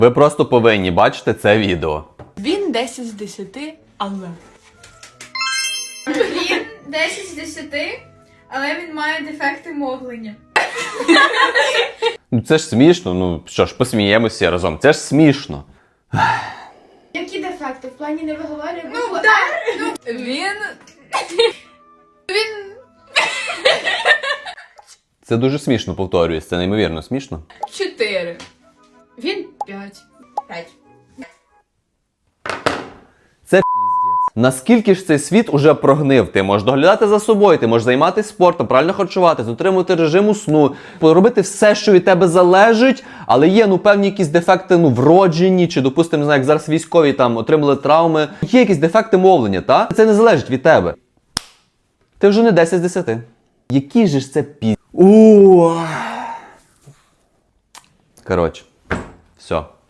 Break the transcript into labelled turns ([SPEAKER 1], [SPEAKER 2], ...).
[SPEAKER 1] Ви просто повинні бачити це відео.
[SPEAKER 2] Він 10 з 10, але...
[SPEAKER 3] Він 10 з 10, але він має дефекти мовлення.
[SPEAKER 1] Ну це ж смішно, ну що ж, посміємося разом. Це ж смішно.
[SPEAKER 3] Які дефекти? В плані не виговорює букву
[SPEAKER 2] Ну,
[SPEAKER 3] «Р»?
[SPEAKER 2] так. Він...
[SPEAKER 1] Це дуже смішно, повторююсь, це неймовірно смішно.
[SPEAKER 2] 4. Він 5.
[SPEAKER 3] 5.
[SPEAKER 1] Це піздець. Наскільки ж цей світ уже прогнив? Ти можеш доглядати за собою, ти можеш займатися спортом, правильно харчуватись, дотримувати режиму сну, робити все, що від тебе залежить, але є, певні якісь дефекти, вроджені, чи, допустимо, не знаю, як зараз військові там отримали травми. Є якісь дефекти мовлення, та? Це не залежить від тебе. Ти вже не 10 з 10. Який же ж це Коротше, все.